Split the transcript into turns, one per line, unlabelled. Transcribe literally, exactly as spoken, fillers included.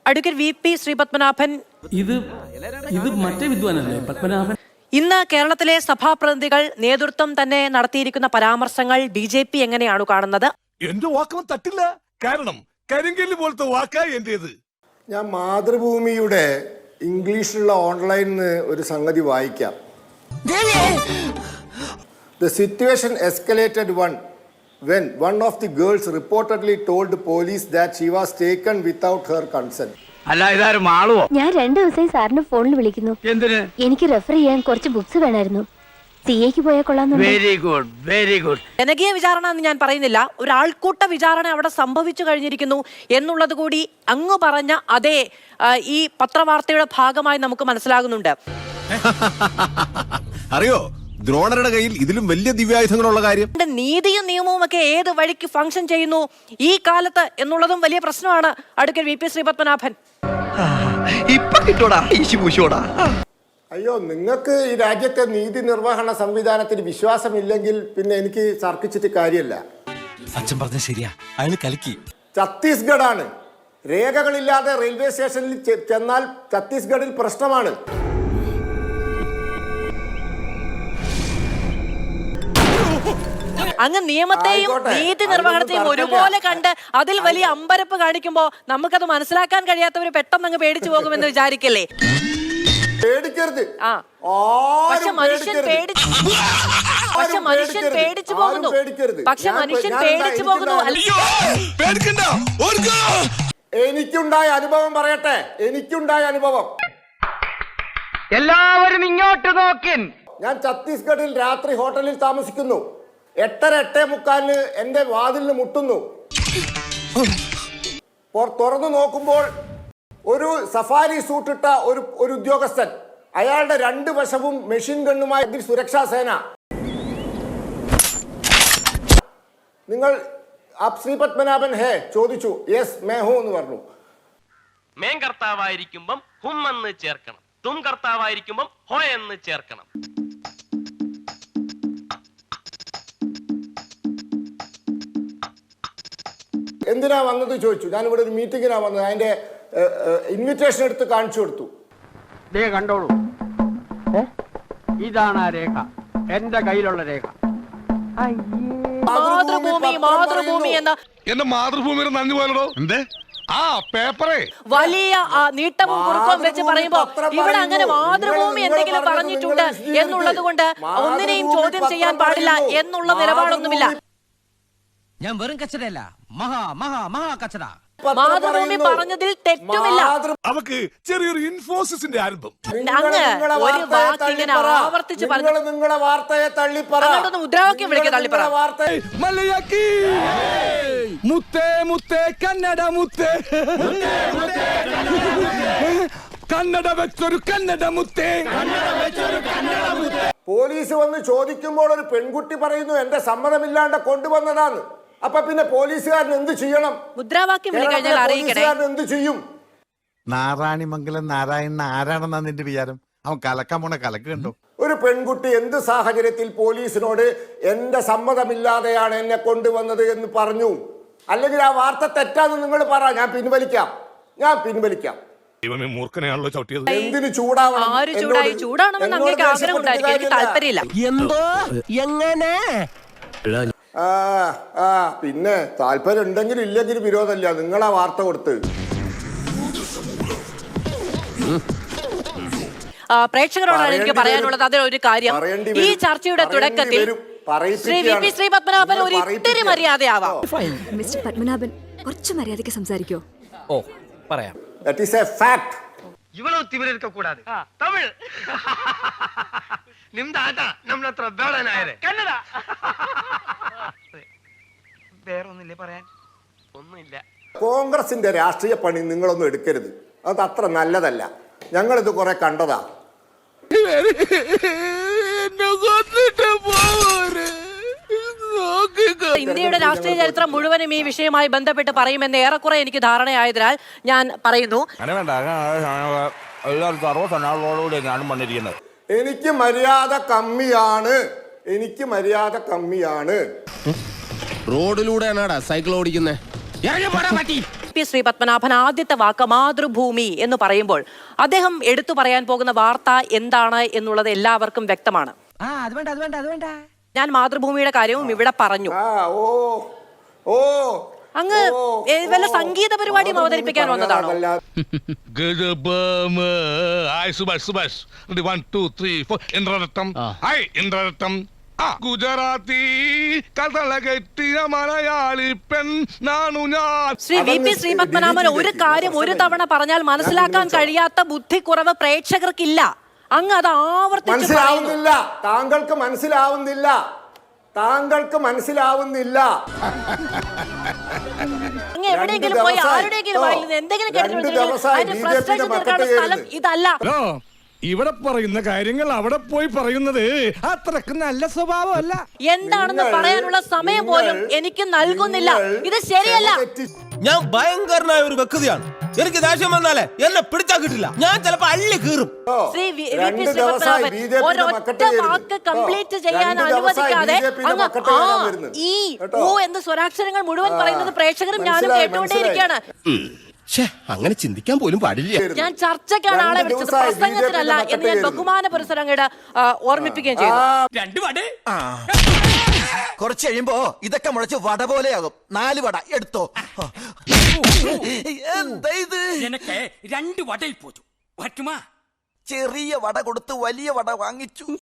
Advocate V P Sreepadmanabhan,
ഇത് ഇത് മറ്റേ വിദ്വാനല്ലേ പത്മനാഭൻ?
ഇന്ന് കേരളത്തിലെ സഭാപ്രതിനിധികൾ നേതൃത്വം തന്നെ നടത്തിയിരിക്കുന്ന പരാമർശങ്ങൾ ബി ജെ പി എങ്ങനെയാണ് കാണുന്നത്?
എന്റെ വാക്കൊന്നും തട്ടില്ല, കാരണം കരിങ്കല്ല് പോലത്തെ വാക്കാ എന്റേത്.
ഞാൻ മാതൃഭൂമിയുടെ ഇംഗ്ലീഷിലുള്ള ഓൺലൈനിൽ ഒരു സംഗതി വായിക്കാം. The situation escalated one when one of the girls reportedly told police that she was taken without her consent.
അല്ല ഇതാരും ആളുവോ?
ഞാൻ രണ്ടു ദിവസമായി സാറിന് ഫോണിൽ വിളിക്കുന്നു.
എന്തിന്?
എനിക്ക് റെഫർ ചെയ്യാൻ കുറച്ച് ബുക്സ് വേണമായിരുന്നു. സി എക്ക് പോയാൽ കൊള്ളാം.
Very good very good.
ജനകീയ വിചാരണ എന്ന് ഞാൻ പറയുന്നില്ല, ഒരു ആൾക്കൂട്ട വിചാരണ അവിടെ സംഭവിച്ചു കഴിഞ്ഞിരിക്കുന്നു എന്നുള്ളത് കൂടി അങ്ങ് പറഞ്ഞ അതേ ഈ പത്രവാർത്തയുടെ ഭാഗമായി നമുക്ക് മനസ്സിലാകുന്നുണ്ട്.
അറിയോ ദ്രോണരുടെ കയ്യിൽ ഇതിലും വലിയ ദിവ്യായുധങ്ങളുള്ള കാര്യം?
നീതിയും നിയമവും ഒക്കെ ഏത് വഴിക്ക് ഫംഗ്ഷൻ ചെയ്യുന്നു ഈ കാലത്ത് എന്നുള്ളതും വലിയ പ്രശ്നമാണ്. അഡ്വക്കേറ്റ് വി പി ശ്രീപത്മനാഭൻ,
അയ്യോ, നിങ്ങൾക്ക് ഈ രാജ്യത്തെ നീതി നിർവഹണ സംവിധാനത്തിൽ വിശ്വാസമില്ലെങ്കിൽ പിന്നെ എനിക്ക് തർക്കിച്ചിട്ട് കാര്യമല്ല.
അച്ഛൻ പറഞ്ഞ ശരിയാ, അയാൾ കലക്കി.
ഛത്തീസ്ഗഡ് ആണ്, രേഖകളില്ലാതെ റെയിൽവേ സ്റ്റേഷനിൽ ചെന്നാൽ ഛത്തീസ്ഗഡിൽ പ്രശ്നമാണ്.
അങ്ങ് നിയമത്തെയും നീതി നിർവഹണത്തെയും ഒരുപോലെ കണ്ട് അതിൽ വലിയ അമ്പരപ്പ് കാണിക്കുമ്പോ നമുക്കത് മനസ്സിലാക്കാൻ കഴിയാത്തവര് പെട്ടെന്ന് അങ്ങ് പേടിച്ചു പോകുമെന്ന് വിചാരിക്കല്ലേ?
പേടിക്കരുത്.
ആ പക്ഷെ മനുഷ്യൻ പേടിച്ചു പക്ഷെ മനുഷ്യൻ പേടിച്ചു പോകുന്നു പക്ഷെ മനുഷ്യൻ പേടിച്ചു പോകുന്നു
എനിക്കുണ്ടായ അനുഭവം പറയട്ടെ, എനിക്കുണ്ടായ അനുഭവം.
എല്ലാവരും ഇങ്ങോട്ട് നോക്കിൻ.
ഞാൻ ഛത്തീസ്ഗഡിൽ രാത്രി ഹോട്ടലിൽ താമസിക്കുന്നു. എട്ടര എട്ടേ മുക്കാലിന് എന്റെ വാതിലിന് മുട്ടുന്നു. തുറന്നു നോക്കുമ്പോൾ ഒരു സഫാരി സൂട്ടിട്ട ഒരു ഒരു ഉദ്യോഗസ്ഥൻ, അയാളുടെ രണ്ട് വശവും മെഷീൻ ഗണ്ണുമായി സുരക്ഷാ സേന. നിങ്ങൾ ശ്രീ പത്മനാഭൻ ഹേ ചോദിച്ചു. യെസ് മേ ഹൂ എന്ന് പറഞ്ഞു.
മേൻ കർത്താവായിരിക്കുമ്പം ഹും എന്ന് ചേർക്കണം, തും കർത്താവായിരിക്കുമ്പം ഹോ എന്ന് ചേർക്കണം.
എന്തിനാ വന്നത് ചോദിച്ചു. ഞാനിവിടെ ഒരു മീറ്റിങ്ങിനാ വന്നത്. അതിന്റെ ഇൻവിറ്റേഷൻ എടുത്ത് കാണിച്ചു കൊടുത്തു.
കണ്ടോളൂ, ഇതാണ് ആ രേഖ, എന്റെ കയ്യിലുള്ള രേഖ.
മാതൃഭൂമി മാതൃഭൂമി എന്ന
എന്റെ മാതൃഭൂമിയുടെ നന്ദി പോലോ എന്തേ ആ പേപ്പറേ
വലിയ നീട്ടവും കുറുക്കവും വെച്ച് പറയുമ്പോ ഇവിടെ അങ്ങനെ മാതൃഭൂമി എന്തെങ്കിലും പറഞ്ഞിട്ടുണ്ട് എന്നുള്ളത് കൊണ്ട് ഒന്നിനെയും ചോദ്യം ചെയ്യാൻ പാടില്ല എന്നുള്ള നിലപാടൊന്നുമില്ല.
ഞാൻ വെറും കച്ചടയല്ല, മഹാ മഹാ മഹാ കച്ചട.
മാതൃഭൂമി പറഞ്ഞതിൽ തെറ്റുമില്ല.
അവക്ക് ചെറിയൊരു ഇൻഫോസിസിന്റെ ആരംഭം.
അങ്ങ് ഒരു വാക്ക് ഇങ്ങനെ ആവർത്തിച്ച് പറഞ്ഞു
നിങ്ങളെ വാർത്തയെ തള്ളിപ്പറ,
മുദ്രാവാക്യം വിളിക്കുക തള്ളിപ്പറ.
മുത്തേ മുത്തേ കന്നഡ മുത്തേ, കന്നഡ വെച്ചൊരു കന്നഡ മുത്തേ.
പോലീസ് വന്ന് ചോദിക്കുമ്പോൾ ഒരു പെൺകുട്ടി പറയുന്നു എന്റെ സമ്മതമില്ലാണ്ട് കൊണ്ടുവന്നതാണ്. അപ്പൊ പിന്നെ പോലീസുകാരൻ എന്ത് ചെയ്യണം?
മുദ്രാവാക്യം വിളിക്കഴിഞ്ഞാൽ അറിയിക്കണേ.
എന്ത് ചെയ്യും?
നാരായണിമംഗലം നാരായണൻ ആരാണെന്നാ നിന്റെ വിചാരം? അവൻ കലക്കാൻ പോണ കലക്ക് കണ്ടോ?
ഒരു പെൺകുട്ടി എന്ത് സാഹചര്യത്തിൽ പോലീസിനോട് എന്റെ സമ്മതമില്ലാതെയാണ് എന്നെ കൊണ്ടുവന്നത് എന്ന് പറഞ്ഞു? അല്ലെങ്കിൽ ആ വാർത്ത തെറ്റാന്ന് നിങ്ങൾ പറ, ഞാൻ പിൻവലിക്കാം, ഞാൻ പിൻവലിക്കാം.
മൂർഖനെയാണല്ലോ ചവിട്ടിയത്.
എന്തിനു ചൂടാവണം?
ആര് ചൂടായി? ചൂടാണെന്ന് അങ്ങേക്ക് ആഗ്രഹം ഉണ്ടായിരിക്കും, എനിക്ക് താല്പര്യമില്ല.
എന്തോ എങ്ങനെ?
ആ ആ പിന്നെ താല്പര്യം ഉണ്ടെങ്കിലും ഇല്ലെങ്കിലും വിരോധമില്ല. നിങ്ങളാ വാർത്ത കൊടുത്ത്
പ്രേക്ഷകരോടാണ് എനിക്ക് പറയാനുള്ളത്. അതിലൊരു കാര്യം, ഈ ചർച്ചയുടെ തുടക്കത്തിൽ ശ്രീ വി പി ശ്രീ പത്മനാഭൻ ഒരു ഇത്തിരി മര്യാദയാവാം.
മിസ്റ്റർ പത്മനാഭൻ, കുറച്ച് മര്യാദയ്ക്ക് സംസാരിക്കോ?
ഓ പറയാം.
That is a fact.
இவ்வளவு திமிரு இருக்க கூடாது. தமிழ் நிம்த ஆட்டா நம்மள அത്ര ಬೇಡನಾಯರೆ ಕನ್ನಡ വേറെ ഒന്നുമില്ല പറയാൻ, ഒന്നുമില്ല.
കോൺഗ്രസിന്റെ രാഷ്ട്രീയ പണി നിങ്ങളൊന്നും എടുക്കരുത്, അത് അത്ര നല്ലതല്ല. ഞങ്ങളിത് കുറെ കണ്ടതാ.
ഇന്ത്യയുടെ രാഷ്ട്രീയ ചരിത്രം മുഴുവനും ഈ വിഷയവുമായി ബന്ധപ്പെട്ട് പറയുമെന്ന് ഏറെക്കുറെ എനിക്ക് ധാരണയായതിനാൽ ഞാൻ പറയുന്നു.
എനിക്ക് മര്യാദ കമ്മിയാണ്, എനിക്ക് മര്യാദ കമ്മിയാണ്.
റോഡിലൂടെയാണാടാ സൈക്കിൾ ഓടിക്കുന്നേ?
പി ശ്രീ പത്മനാഭൻ ആദ്യത്തെ വാക്ക് മാതൃഭൂമി എന്ന് പറയുമ്പോൾ അദ്ദേഹം എടുത്തു പറയാൻ പോകുന്ന വാർത്ത എന്താണ് എന്നുള്ളത് എല്ലാവർക്കും വ്യക്തമാണ്.
ആ അത് വേണ്ട അത് വേണ്ട അത് വേണ്ട
ഞാൻ മാതൃഭൂമിയുടെ കാര്യവും ഇവിടെ പറഞ്ഞു.
ആ ഓ ഓ
അങ്ങ് ഏ, വല്ല സംഗീത പരിപാടിയും അവതരിപ്പിക്കാൻ വന്നതാണോ?
Hi Subhash Subhash one two three four ഇന്ദ്രരത്തം ഹായ് ഇന്ദ്രരത്തം ആ ഗുജറാത്തി കഥള കെട്ടിയ മലയാളി പെൺ നാണു ഞാൻ.
ശ്രീ വി പി ശ്രീ പത്മനാഭൻ ഒരു കാര്യം ഒരു തവണ പറഞ്ഞാൽ മനസ്സിലാക്കാൻ കഴിയാത്ത ബുദ്ധിക്കുറവ് പ്രേക്ഷകർക്കില്ല. അങ്ങ് അത് ആവർത്തിച്ച് പറയുന്നു.
മനസ്സിലാവുന്നില്ല, താങ്കൾക്ക് മനസ്സിലാവുന്നില്ല, താങ്കൾക്ക് മനസ്സിലാവുന്നില്ല.
അങ്ങ് എവിടെയെങ്കിലും പോയി ആരുടെയെങ്കിലും വായിൽ നിന്ന് എന്തെങ്കിലും കേട്ടിട്ടുണ്ടെങ്കിൽ അതിന്റെ frustration തീർക്കാനുള്ള സ്ഥലം ഇതല്ല.
ഹലോ, ഇവിടെ പറയുന്ന കാര്യങ്ങൾ അവിടെ പോയി പറയുന്നത് അത്രക്ക് നല്ല സ്വഭാവമല്ല.
എന്താണെന്ന് പറയാനുള്ള സമയം പോലും എനിക്ക് നൽകുന്നില്ല. ഇത് ശരിയല്ല.
ഞാൻ ഭയങ്കരനായ ഒരു വ്യക്തിയാണ്. എനിക്ക് ദേഷ്യം വന്നാലേ എന്നെ പിടിച്ചാ കിട്ടില്ല. ഞാൻ ചിലപ്പോ അള്ളി കീറും.
ശ്രീ വി പി ശ്രീ പത്മനാഭൻ ഒരൊറ്റ വാക്ക് കംപ്ലീറ്റ് ചെയ്യാൻ അനുവദിക്കാതെ അങ്ങ് ആ ഈ ഓ എന്ന് സ്വരാക്ഷരങ്ങൾ മുഴുവൻ പറയുന്നത് പ്രേക്ഷകരും ഞാനും കേട്ടുകൊണ്ടേയിരിക്കുകയാണ്.
അങ്ങനെ ചിന്തിക്കാൻ പോലും പാടില്ല.
ഞാൻ ചർച്ചയ്ക്കാണ് ആളെ വിളിച്ചത്, പ്രസംഗത്തിനല്ല എന്ന് ഞാൻ ബഹുമാന പുരസരങ്ങയുടെ ഓർമ്മിപ്പിക്കുകയും ചെയ്തു.
രണ്ട് വട
കുറച്ച് കഴിയുമ്പോ ഇതൊക്കെ മുളച്ച് വട പോലെയാകും. നാല് വട എടുത്തോ. എന്താ ഇത്?
എനിക്ക് രണ്ട് വടയിൽ പോച്ചു പറ്റുമാ.
ചെറിയ വട കൊടുത്ത് വലിയ വട വാങ്ങിച്ചു.